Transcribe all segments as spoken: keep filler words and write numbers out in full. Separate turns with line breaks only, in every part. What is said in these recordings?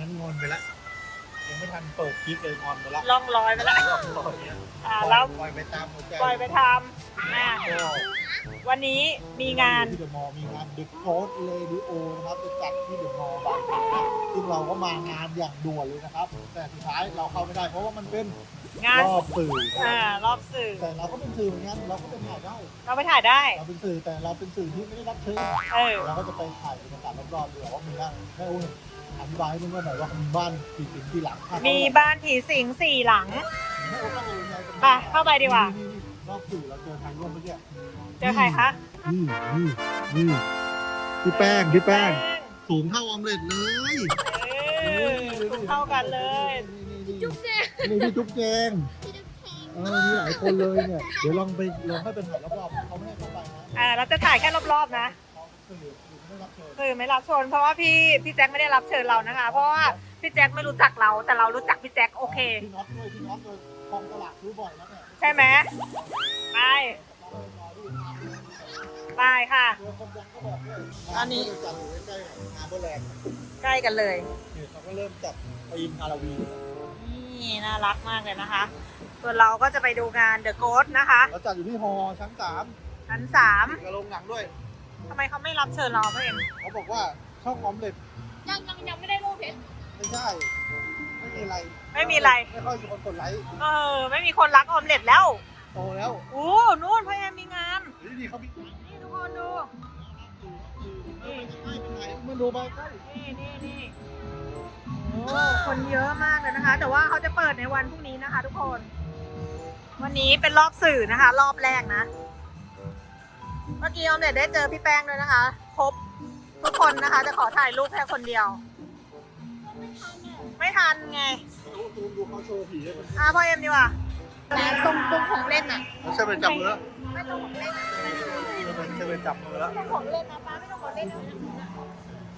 นั้นงอนไปแล้วยังไม่ทันเปิดคลิปเลยงอนไปแล้ว
ล่องลอยไปแล้ว
ล่องลอยเนี่ย
อ่าแล้ว
ปล่อยไปตามหัวใจ
ปล่อยไปทำอ่ะ
ก็
วันนี้มีงาน
ที่เดอะมอลล์มีงานเดอะโค้ดเรดิโอนะครับจะจัดที่เดอะมอลล์บางแสนนะซึ่งเราก็มางานอย่างด่วนเลยนะครับ แต่สุดท้ายเราเข้าไม่ได้เพราะว่ามันเป็น
งาน
รอบสื่อ
อ่ารอบสื่อ
แต่เราก็เป็นสื่อเหมือนกันเราก็เป็นถ่ายได้
เราไปถ่ายได้
เราเป็นสื่อแต่เราเป็นสื่อที่ไม่ได้รับเชิญ
เออ
เราก็จะไปถ่ายบรรยากาศรอบๆดูว่ามีบ้านให้อุ้ยอธิบายให้เพื่อนๆหน่อยว่ามีบ้านกี่สิงกี่หลัง
มีบ้านผีสิงสี่หลัง
ให้อุ้ยเข้าไปเลย
ไปเข้าไปดีกว่า
รอบสื่อเราเจอใครร่วมเมื่อกี้
เจอใครคะ
นี่นี่นี่พี่แป้งพี่แป้งสูงเท่าออมเล็ตเลย
เออเข้ากันเลย
จุ๊บแจงนี่พี่จุ๊บแจงเออมีหลายคนเลยเนี่ยเดี๋ยวลองไปลองให้เป็นถ่ายรอบๆเขาไม่ให้เข้าไปนะ
อ่าเราจะถ่ายแค่รอบๆนะ
สื่อไม่รับเชิญ
คือไม่รับเชิญเพราะว่าพี่พี่แจ็คไม่ได้รับเชิญเรานะคะ เพราะว่าพี่แจ็คไม่รู้จักเราแต่เรารู้จักพี่แจ็คโอเค
พี่น็อตด้วยพี่น็อตด้วยกองสลากซื้อบ่อยนะเนี่ย
ใช่ไหมไปไปค่ะ
เจอคนดังก็บอกด้วย
อันนี้
จัดอยู่ใกล้ๆงานโบแลนด์
ใกล้กันเลย
เนี่ยเขาก็เริ่มจัดธีมฮาโลวีน
นี่น่ารักมากเลยนะคะ ส่วนเราก็จะไปดูงาน The Ghost นะคะ
เราจัดอยู่ที่ฮอชั้นสาม
ชั้นสาม
กระโรงหนังด้วย
ทำไมเขาไม่รับเชิญเราเพื่อน
เขาบอกว่าช่องออมเล็ต
ยังยังยังไม่ได้รูปเพชร
ไม่ใช่ ไม่มีอะไร
ไม่มีอะไร
ไม่ค่อยมีคนกดไลค์
เออไม่มีคนรักออมเล็ตแล้ว
โตแล้ว
โอ้นู่นพ่อแอมมีงาน
นี่ดีเขามี
นี่ทุกคนดู
นี่ไม่เป็นไรมันดูมาใกล้
นี่นี่นี่โอ้คนเยอะมากเลยนะคะ แต่ว่าเขาจะเปิดในวันพรุ่งนี้นะคะ ทุกคน วันนี้เป็นรอบสื่อนะคะ รอบแรกนะ เมื่อกี้ออมเล็ตได้เจอพี่แป้งด้วยนะคะ ครบทุกคนนะคะ จะขอถ่ายรูปแค่คนเดียว ไม่ทันไง
ดูซูมดูเขาโชว์ผีให้มัน
อ่ะพ่อเอ็มดีกว่า
แต่ตรงตรงของเล่นอ่ะ
แล้วใช่เป็นจับมือแล้ว
ไม่ตรงของเล่นอะ
ใช่เป็นจับมือแล้ว
ไม่ตรงของเล่นนะป้าไม่ตรงของเล่นนะ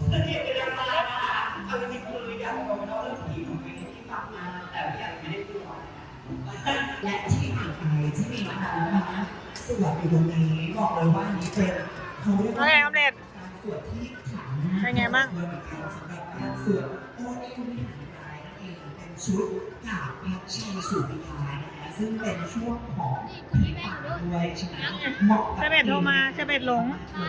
และที่ถัดไปที่มีน้องๆนะสวดอยู่ตรงนี้บอกเลยว่านี่เป็นเขาเรียก
โอ
ว่า
เคออมเล็ต
การสวดที่ขลัง
เป็นไงบ้าง
สำหรับการสวดโอ้ยคุณวิหารกายนั่นเองเป็นชุดกาบพัชชัยสุริยานะคะซึ่งเป็นช่วงของผีป่าด้วยใช่ไหมเหมาะกับ
เชเบตโทรมาเชเบตหลง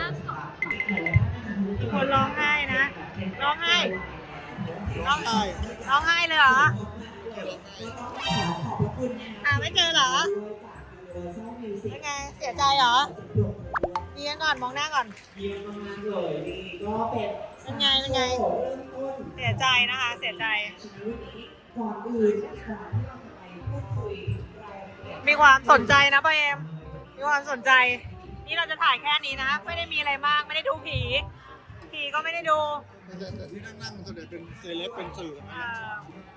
คนร้องไห้นะ ร้องไห้
ร้องไห้
ร้องไห้เลยเหรอ
ขอขอบพระคุณนะคะ
อ่าไม่เจอเหรอ ยังไง เสียใจเหรอดีกันก่อน มองหน้าก่อน
เยี่ยมมากๆเลยนี่ก็เป็น
เป็นไง เป็นไง
เริ่มต้น
เสียใจนะคะ เสียใจ
ก่อนอื่นก่อนที่เราจะไปพูดคุยรายละเอียด
มีความสนใจนะป้าเอ็ม มีความสนใจ นี่เราจะถ่ายแค่นี้นะ ไม่ได้มีอะไรมาก ไม่ได้ดูผี ผีก็ไม่ได้ดู
แต่แต่ที่นั่งๆส่วนใหญ่เป็นเซเลบเป็นสื่อนะ
เอ่อ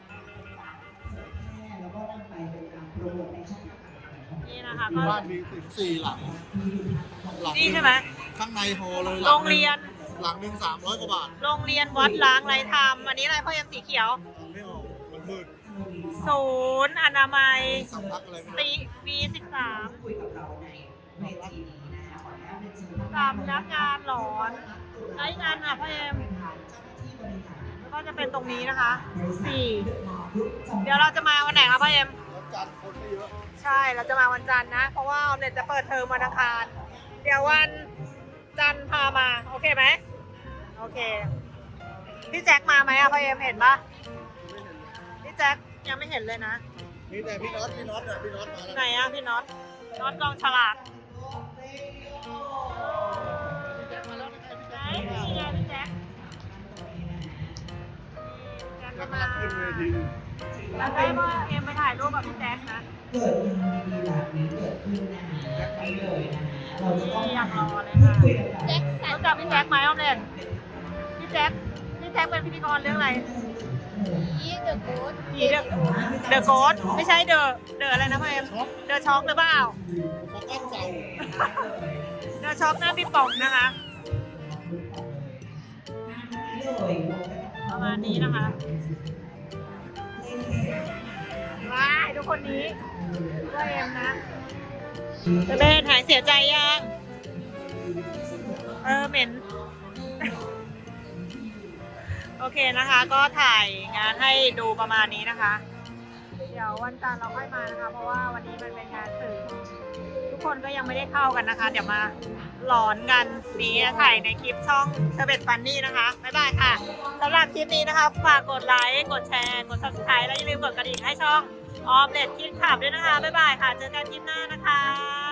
แล้วก็นำไปเป็นการโปรโมทในช่องทางต่างๆ
นี่นะคะ
มี
ก็
บ้านมีถึงสี่หลังหลัง
นี่ใช่ไหม
ข้างในฮอเลย
โรงเรียน
หลังหนึ่งสามร้อยกว่าบาท
โรงเรียนวัดล้างไรธรรม อันนี้อะไรพ่อเอ็มสีเขียว
ไม่ออกมันมืด
ศูนย์อนามัย
สำนักอะไรไม่รู้
ตีวีสิบสาม
คุยกับเราในในทีนี้นะคะขออนุญาตเป็นชื่อ
สำนักงานหลอนไอ้งานอ่ะพ่อเอ็มแล้วก็จะเป็นตรงนี้นะคะสี่เดี๋ยวเราจะมาวันไหนคะพ่อเอ็ม
แล้วจานคนไม่เยอะ
ใช่เราจะมาวันจันทร์นะ เพราะว่าออมเน็ตจะเปิดเทอมวันอังคาร เดี๋ยววันจันทร์พามา โอเคไหมโอเค พี่แจ็คมาไหมอะพ่อเอ็มเห็นปะ
ไม่เห็นเลย
พี่แจ็คยังไม่เห็นเลยนะ
มีแต่พี่น็อตพี่น็อตอะพี่น็อตมาแล้ว
ไหนอะพี่น็อตน็อตกองฉลากไหนนี่ไงพี่แจ็คแจ็ค
แล้
ก็
วก็
มา
ขึ้นเวที
แล้วได้พ่อเอ็มไปถ่ายรูปกับพี่แจ็คนะ
เกิดงานดีๆแบบนี้เกิดขึ้นนะคะไปเลยนะคะเราจะต้อง
นี่อยากรอเลย
พูด
ค่ะ
คุยกับเรา
แจ็คสัน
รู้จักพี่แจ็คไหมออมเล็ตพี่แจ็คพี่แจ็คเป็นพิธีกรเรื่องอะไร
ยี่เดอะโกด
ผีเดอะเดอะโกสไม่ใช่เดอะเดอะอะไรนะพ่อเอ็มเดอะช็อกหรือเปล่า
เขาก้อนเก่า
เดอะช็อกหน้าพี่ป๋องนะคะ ประมาณนี้นะคะว้ายทุกคนนี้พ่อเอ็มนะจะเบนหายเสียใจยัง เออเหม็นโอเคนะคะ ก็ถ่ายงานให้ดูประมาณนี้นะคะ เดี๋ยววันจันทร์เราค่อยมานะคะ เพราะว่าวันนี้มันเป็นงานสื่อทุกคนก็ยังไม่ได้เข้ากันนะคะ เดี๋ยวมาหลอนกันนี้ถ่ายในคลิปช่องเชอร์เบตฟันนี่นะคะบ๊ายบายค่ะสำหรับคลิปนี้นะคะฝากกดไลค์กดแชร์กด ซับสไครบ์ และอย่าลืมกดกระดิ่งให้ช่องออมเล็ตคิดขับด้วยนะคะบ๊ายบายค่ะเจอกันคลิปหน้านะคะ